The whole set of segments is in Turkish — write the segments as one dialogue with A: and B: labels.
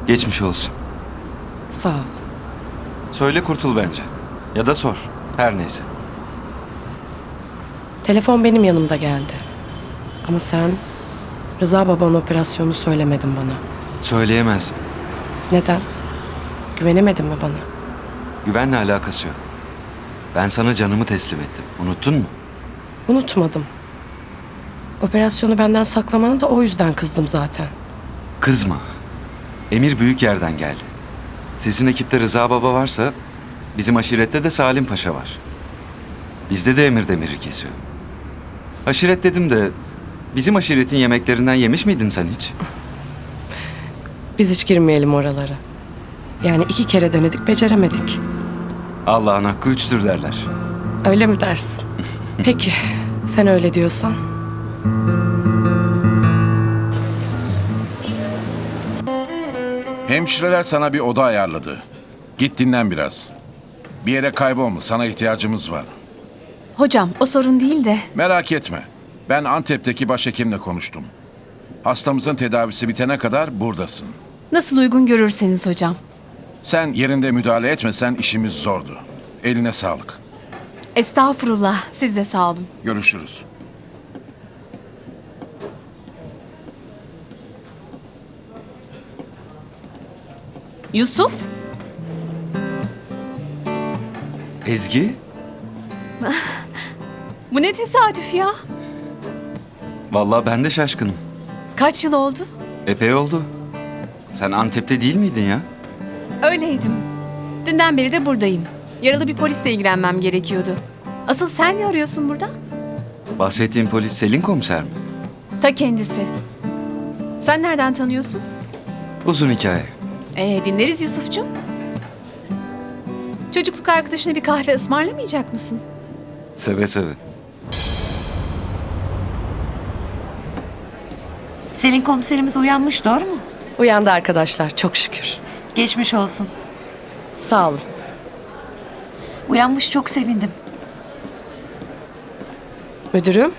A: Geçmiş olsun.
B: Sağ ol.
A: Söyle kurtul bence. Ya da sor. Her neyse.
B: Telefon benim yanımda geldi. Ama sen Rıza babanın operasyonunu söylemedin bana.
A: Söyleyemezdim.
B: Neden? Güvenemedin mi bana?
A: Güvenle alakası yok. Ben sana canımı teslim ettim. Unuttun mu?
B: Unutmadım. Operasyonu benden saklamana da o yüzden kızdım zaten.
A: Kızma. Emir büyük yerden geldi. Sizin ekipte Rıza Baba varsa bizim aşirette de Salim Paşa var. Bizde de Emir demiri kesiyor. Aşiret dedim de bizim aşiretin yemeklerinden yemiş miydin sen hiç?
B: Biz hiç girmeyelim oralara. Yani 2 kere denedik, beceremedik.
A: Allah'ın hakkı üçtür derler.
B: Öyle mi dersin? Peki, sen öyle diyorsan.
C: Hemşireler sana bir oda ayarladı. Git dinlen biraz. Bir yere kaybolma, sana ihtiyacımız var.
D: Hocam o sorun değil de
C: Merak etme. Ben Antep'teki başhekimle konuştum. Hastamızın tedavisi bitene kadar buradasın.
D: nasıl uygun görürseniz hocam.
C: Sen yerinde müdahale etmesen işimiz zordu. Eline sağlık.
D: Estağfurullah, siz de sağ olun.
C: Görüşürüz.
D: Yusuf,
A: Ezgi?
D: bu ne tesadüf ya?
A: Vallahi ben de şaşkınım.
D: Kaç yıl oldu?
A: Epey oldu. Sen Antep'te değil miydin ya?
D: Öyleydim. Dünden beri de buradayım. Yaralı bir polisle ilgilenmem gerekiyordu. Asıl sen ne arıyorsun burada?
A: Bahsettiğim polis Selin komiser mi?
D: Ta kendisi. Sen nereden tanıyorsun?
A: Uzun hikaye.
D: Dinleriz Yusuf'cum. Çocukluk arkadaşına bir kahve ısmarlamayacak mısın?
A: Seve seve.
E: Selin komiserimiz uyanmış, doğru mu?
B: Uyandı arkadaşlar, çok şükür.
E: Geçmiş olsun.
B: Sağ olun.
E: Uyanmış, çok sevindim.
B: Müdürüm,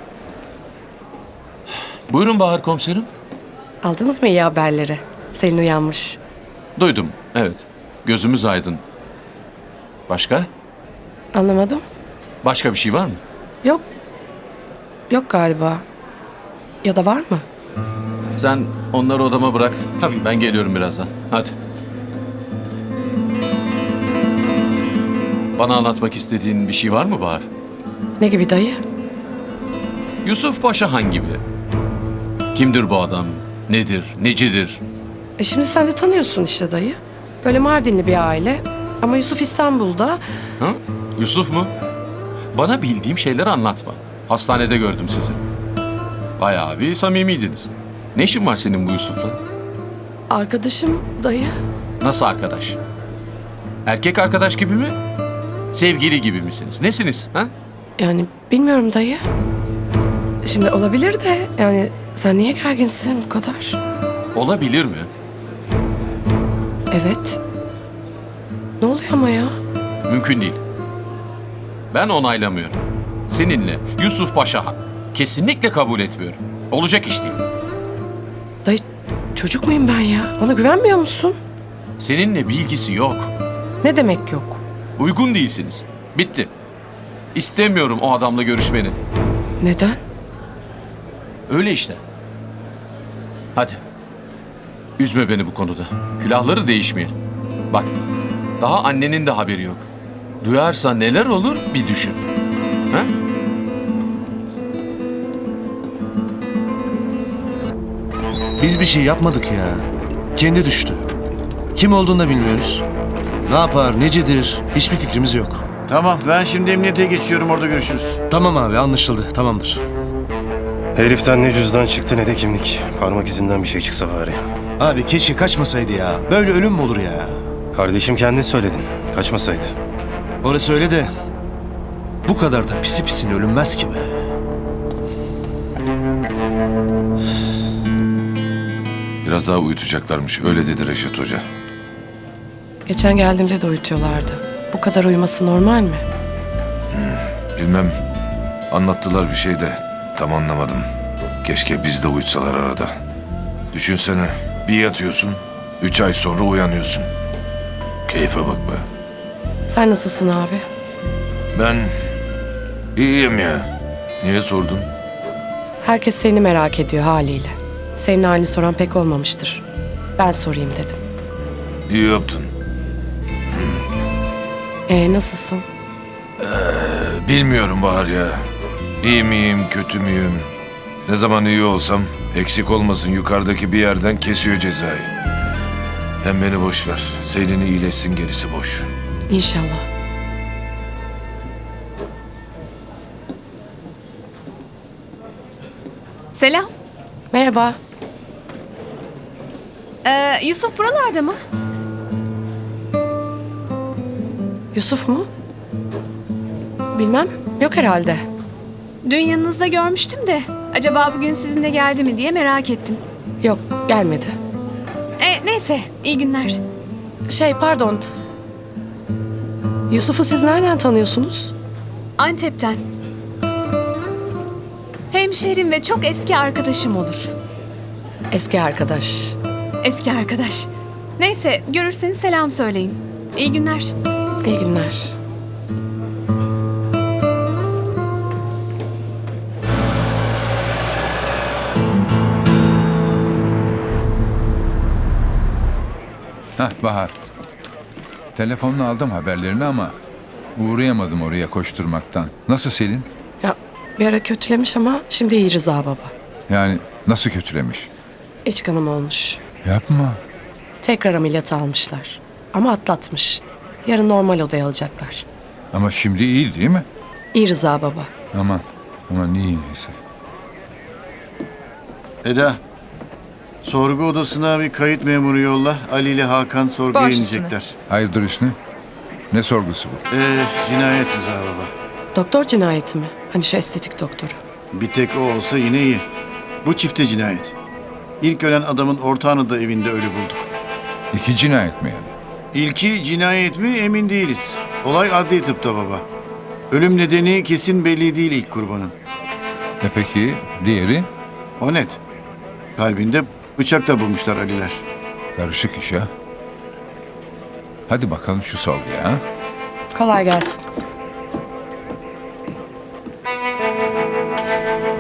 F: Buyurun Bahar komiserim.
B: aldınız mı iyi haberleri? Selin uyanmış.
F: Duydum, evet. Gözümüz aydın. Başka?
B: Anlamadım.
F: Başka bir şey var mı?
B: Yok. Yok galiba. Ya da var mı?
F: Sen onları odama bırak. Tabii. Ben geliyorum birazdan. Hadi. Bana anlatmak istediğin bir şey var mı Bahar?
B: Ne gibi dayı?
F: Yusuf Paşa hangi biri? Kimdir bu adam? Nedir? Necidir?
B: Şimdi sen de tanıyorsun işte dayı. Böyle Mardinli bir aile. Ama Yusuf İstanbul'da.
F: Ha? Yusuf mu? Bana bildiğim şeyleri anlatma. Hastanede gördüm sizi. Bayağı bir samimiydiniz. Ne işin var senin bu Yusuf'la?
B: Arkadaşım dayı.
F: Nasıl arkadaş? Erkek arkadaş gibi mi? Sevgili gibi misiniz? Nesiniz? Ha?
B: Yani bilmiyorum dayı. Şimdi olabilir de yani sen niye gerginsin bu kadar?
F: Olabilir mi?
B: Evet. Ne oluyor ama ya?
F: Mümkün değil. Ben onaylamıyorum. Seninle Yusuf Paşa kesinlikle kabul etmiyorum. Olacak iş değil.
B: Dayı çocuk muyum ben ya? Bana güvenmiyor musun?
F: Seninle bir ilgisi yok.
B: Ne demek yok?
F: Uygun değilsiniz. Bitti. İstemiyorum o adamla görüşmeni.
B: Neden?
F: Öyle işte. Hadi. Üzme beni bu konuda. Külahları değişmeyelim. Bak, daha annenin de haberi yok. Duyarsa neler olur bir düşün. Ha?
G: Biz bir şey yapmadık ya. Kendi düştü. Kim olduğunu da bilmiyoruz. Ne yapar, necedir hiçbir fikrimiz yok.
H: Tamam, ben şimdi emniyete geçiyorum, orada görüşürüz.
G: Tamam abi, anlaşıldı, tamamdır.
I: Heriften ne cüzdan çıktı ne de kimlik. Parmak izinden bir şey çıksa bari.
G: Abi keşke kaçmasaydı ya. Böyle ölüm mü olur ya?
I: Kardeşim kendin söyledin. Kaçmasaydı.
G: Orası öyle de bu kadar da pisi pisine ölünmez ki be.
C: Biraz daha uyutacaklarmış, öyle dedi Reşat Hoca.
B: Geçen geldiğimde de uyutuyorlardı. Bu kadar uyuması normal mi?
C: Bilmem, anlattılar bir şey de tam anlamadım. Keşke biz de uyutsalar arada. Düşünsene, bir yatıyorsun, 3 ay sonra uyanıyorsun. Keyfe bak be.
B: Sen nasılsın abi?
C: Ben iyiyim ya. Niye sordun?
B: Herkes seni merak ediyor haliyle. Senin halini soran pek olmamıştır. Ben sorayım dedim.
C: İyi yaptın.
B: Nasılsın?
C: Bilmiyorum Bahar ya. İyi miyim, kötü müyüm? Ne zaman iyi olsam eksik olmasın yukarıdaki bir yerden kesiyor cezayı. Hem beni boş ver. Senin iyileşsin, gerisi boş.
B: İnşallah.
D: Selam.
B: Merhaba.
D: Yusuf buralarda mı?
B: Yusuf mu? Bilmem. Yok herhalde.
D: Dün yanınızda görmüştüm de. Acaba bugün sizinle geldi mi diye merak ettim.
B: Yok, gelmedi.
D: Neyse, iyi günler.
B: Pardon. Yusuf'u siz nereden tanıyorsunuz?
D: Antep'ten. Hemşerim ve çok eski arkadaşım olur.
B: Eski arkadaş.
D: Eski arkadaş. Neyse, görürseniz selam söyleyin. İyi günler.
B: İyi günler.
J: Hah Bahar. Telefonla aldım haberlerini ama uğrayamadım oraya koşturmaktan. Nasıl Selin?
B: Ya bir ara kötülemiş ama şimdi iyi Rıza baba.
J: Yani nasıl kötülemiş?
B: İç kanama olmuş.
J: Yapma.
B: Tekrar ameliyata almışlar. Ama atlatmış. Yarın normal odaya alacaklar.
J: Ama şimdi iyi değil mi?
B: İyi Rıza baba.
J: Aman iyi neyse.
H: Eda, sorgu odasına bir kayıt memuru yolla. Ali ile Hakan sorguya inecekler.
J: Hayırdır Hüsnü? Ne sorgusu bu?
H: Cinayet Rıza baba.
B: Doktor cinayeti mi? Hani şu estetik doktoru.
H: Bir tek o olsa yine iyi. Bu çifte cinayet. İlk ölen adamın ortağını da evinde ölü bulduk.
J: 2 cinayet mi yani?
H: İlki cinayet mi emin değiliz. Olay adli tıpta baba. Ölüm nedeni kesin belli değil ilk kurbanın.
J: Peki diğeri?
H: O net. Kalbinde bıçak da bulmuşlar Aliler.
J: Karışık iş ha. Hadi bakalım şu sorguya ha.
B: Kolay gelsin.